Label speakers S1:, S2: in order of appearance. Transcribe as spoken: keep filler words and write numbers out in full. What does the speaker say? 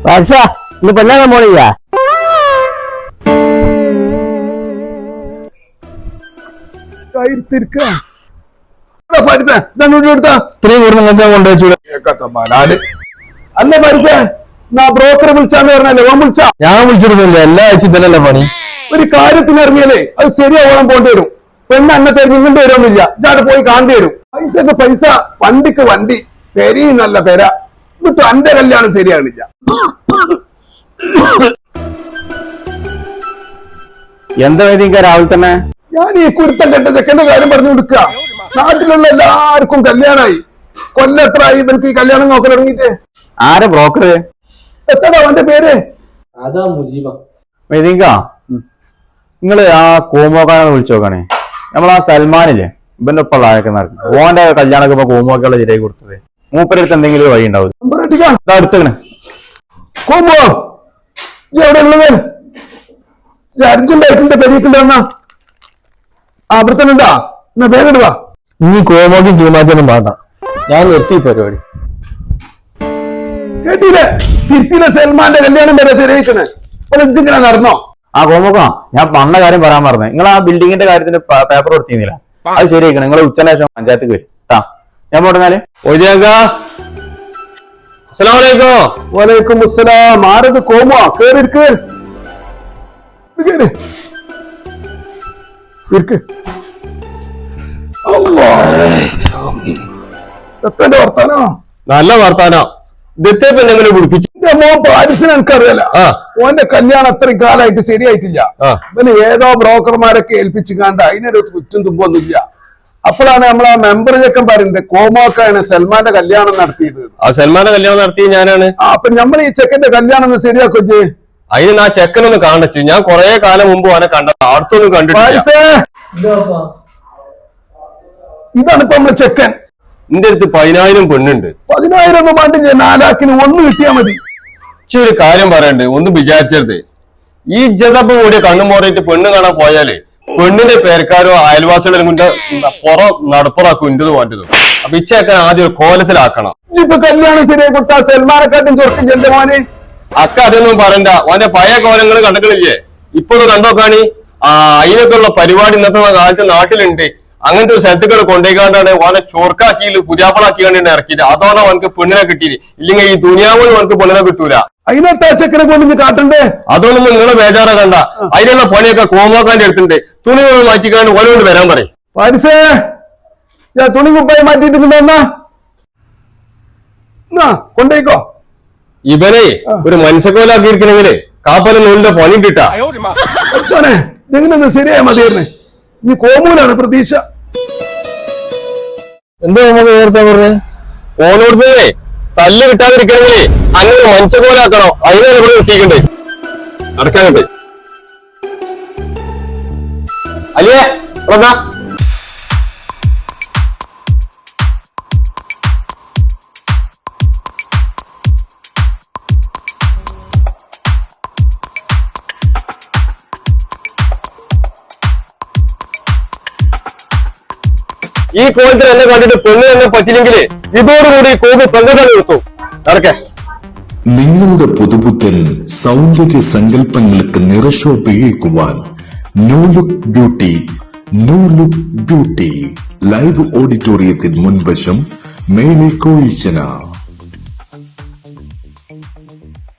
S1: വർഷ ഇന്ന് പെണ്ണാകാൻ പോണില്ല.
S2: അല്ല പരിസ ബ്രോക്കറെ വിളിച്ചാന്ന് പറഞ്ഞല്ലേ ഓൻ വിളിച്ചാ?
S1: ഞാൻ വിളിച്ചിരുന്നില്ല, എല്ലാ ആഴ്ച തന്നെയല്ലേ പണി.
S2: ഒരു കാര്യത്തിന് ഇറങ്ങിയാലേ അത് ശരിയാവോളം പോണ്ടി വരും. പെണ്ണ് അന്നെ തെരഞ്ഞു ഇങ്ങോട്ട് വരുമൊന്നുമില്ല, ഇജാട് പോയി കാണേണ്ടി വരും. പൈസക്ക് പൈസ, വണ്ടിക്ക് വണ്ടി, പെരി നല്ല പെര. എന്നിട്ട് എന്റെ കല്യാണം ശരിയാകണില്ല.
S1: എന്താ വേദിക്ക രാവിലെ തന്നെ?
S2: ഞാൻ ഈ കുരുത്തം കെട്ട ചെക്കന്റെ കാര്യം പറഞ്ഞു കൊടുക്കുക. നാട്ടിലുള്ള എല്ലാവർക്കും കല്യാണമായി. കൊല്ലത്രായി ഇവർക്ക് ഈ കല്യാണം നോക്കാൻ തുടങ്ങിയിട്ട്.
S1: ആരെ ബ്രോക്കർ?
S2: എത്രടാ അവന്റെ പേര്?
S3: അതാ മുജീബ.
S1: വേദിക്ക, നിങ്ങള് ആ കോമോക്കാനെ വിളിച്ചു നോക്കണേ. നമ്മളാ സൽമാനില്ലേ, ഇവന്റെ ഒപ്പമുള്ള ആരൊക്കെ നടക്കും. ഓന്റെ കല്യാണമൊക്കെ ഇപ്പൊ കോമോക്കുള്ള ശരിയായി കൊടുത്തത്. മൂപ്പരടുത്ത് എന്തെങ്കിലും വഴി ഉണ്ടാവും. അടുത്തങ്ങനെ
S2: കോമോ എവിടെ ഉള്ളത്? അർജന്റായിട്ടിന്റെ പെരീക്കുണ്ടെന്നാ അവിടെത്തന്നെണ്ടാ. എന്നാ വേഗം ഇടുക.
S1: ഇനി കോമോക്കും ചൂമാറ്റൊന്നും വേണ്ട, ഞാൻ നിർത്തി പരിപാടി.
S2: കേട്ടില്ലേ? തിരുത്തിയിലെ സൽമാന്റെ കല്യാണം വരെ ശരിയായിക്കണേ. ഇങ്ങനെ നടന്നോ?
S1: ആ കോമോക്കാ, ഞാൻ പണ്ട കാര്യം പറയാൻ പറഞ്ഞത്. നിങ്ങൾ ആ ബിൽഡിങ്ങിന്റെ കാര്യത്തിന്റെ പേപ്പർ കൊടുത്തിരുന്നില്ല, അത് ശരിയാക്കണം. നിങ്ങൾ ഉച്ചന് ശേഷം പഞ്ചായത്ത് വരും കേട്ടാ. ഞാൻ പോട്ടെന്നാല്. അസ്സലാമലൈക്കും.
S2: വലൈക്കും അസ്സലാം. ആരത് കോമോ? കേറിക്ക് കേറി എത്തന്റെ വർത്താനോ?
S3: നല്ല വർത്താനോ. ഇതെന്തെങ്കിലും കുടിപ്പിച്ചു.
S2: മോൻ പാരിസിന് എനിക്കറിയാല. ഓന്റെ കല്യാണം അത്രയും കാലമായിട്ട് ശരിയായിട്ടില്ല. പിന്നെ ഏതോ ബ്രോക്കർമാരൊക്കെ ഏൽപ്പിച്ചു കണ്ട അതിനൊരു കുറ്റും തുമ്പൊന്നുമില്ല. അപ്പോഴാണ് നമ്മളാ മെമ്പർ ചെക്കൻ പറയുന്നത് കോമോക്കാണ് സൽമാന്റെ കല്യാണം നടത്തിയത്.
S3: ആ സൽമാന്റെ കല്യാണം നടത്തിയത് ഞാനാണ്.
S2: അപ്പൊ നമ്മൾ ഈ ചെക്കന്റെ കല്യാണം ഒന്ന് ശരിയാക്കോ?
S3: അതിന് ആ ചെക്കനൊന്ന് കാണിച്ചു. ഞാൻ കൊറേ കാലം മുമ്പ് അവനെ കണ്ടത്, അടുത്തൊന്നും കണ്ടിട്ടില്ല.
S2: ഇതാണ് ഇപ്പൊ നമ്മളെ ചെക്കൻ.
S3: എന്റെ അടുത്ത് പതിനായിരം പെണ്ണുണ്ട്.
S2: പതിനായിരം ഒന്നും വേണ്ടില്ല, നാലാക്കിന് ഒന്ന് കിട്ടിയാ മതി.
S3: പക്ഷെ ഒരു കാര്യം പറയണ്ട്, ഒന്ന് വിചാരിച്ചത്. ഈ ജതപ്പ് കൂടിയ കണ്ണുമോറിയിട്ട് പെണ്ണ് കാണാൻ പോയാലേ പെണ്ണിന്റെ പേർക്കാരോ അയൽവാസികളും കൊണ്ട് പുറം നടപ്പുറാക്കും ഇന്റത് വേണ്ടത്. അപ്പൊ ഇച്ചേക്കാൻ ആദ്യം ഒരു കോലത്തിലാക്കണം.
S2: ഇപ്പൊ കല്യാണം ശരിയായി കൊടുത്താ സൽമാനെക്കാട്ടും ചൊറുക്കും ചെന്റെ മോനെ.
S3: അക്ക അതൊന്നും പറയണ്ട. അവന്റെ പഴയ കോലങ്ങൾ കണ്ടിട്ടില്ലേ? ഇപ്പൊ ഒന്ന് കണ്ടോക്കാണി. ആ അതിനൊക്കെ ഉള്ള പരിപാടി ഇന്നത്തെ കാലത്ത് നാട്ടിലുണ്ട്. അങ്ങനത്തെ ഒരു സ്ഥലത്തുകൾ കൊണ്ടേക്കാണ്ടാണ് ഓനെ ചോർക്കാക്കിയിൽ പുതിയാപ്പളാക്കി കണ്ടിട്ട് ഇറക്കിയിട്ട്. അതോടെ അവനക്ക് പെണ്ണിനെ കിട്ടിയില്ല. ഇല്ലെങ്കിൽ ഈ ദുനിയാവിൽ അവനക്ക് പെണ്ണിനെ കിട്ടൂല.
S2: അതിനകത്ത് ചെക്കനെ കൊണ്ട് കാട്ടണ്ടേ?
S3: അതൊന്നും നിങ്ങളെ ബേജാറ കണ്ട. അതിനുള്ള പണിയൊക്കെ കോമോക്കാന്റെ അടുത്തുണ്ട്. തുണി മാറ്റിക്കാണ്ട് ഓരോട് വരാൻ പറയും.
S2: പാരിസേ, ഞാൻ തുണി കുപ്പായി മാറ്റിയിട്ടുണ്ടെന്നാ കൊണ്ടേക്കോ.
S3: ഇവനെ ഒരു മനുഷ്യക്കോലാക്കിയിരിക്കണെങ്കിലേ കാപ്പല നൂലിന്റെ പണി കിട്ടാ.
S2: ഇതെങ്ങനെയൊന്ന് ശരിയായ മതിയായിരുന്നേ. ഇനി കോമൂലാണ് പ്രതീക്ഷ.
S1: എന്താ നമുക്ക് നേരത്തെ പറഞ്ഞത്?
S3: ഓനോട് പോയേ തല്ല് കിട്ടാതിരിക്കണമെങ്കിലേ അങ്ങനെ മനുഷ്യക്കോലാക്കണോ? അതിനാണ് ഇവിടെ എത്തിക്കണ്ടേ. നടക്കാനുണ്ട് അല്ലേ? എന്താ ഈ കോലത്തിൽ എന്നെ കണ്ടിട്ട് പെണ്ണ് തന്നെ പറ്റില്ലെങ്കില് ഇതോടുകൂടി കോപ് പെങ്കട്ടാണ് കിട്ടും. നടക്കേ.
S4: നിങ്ങളുടെ പുതുപുത്തൻ സൗന്ദര്യ സങ്കല്പങ്ങൾക്ക് നിറശോഭയേക്കുവാൻ new look beauty. New look beauty live ഓഡിറ്റോറിയത്തിന് മുൻവശം, മേലെ കോയിച്ചന.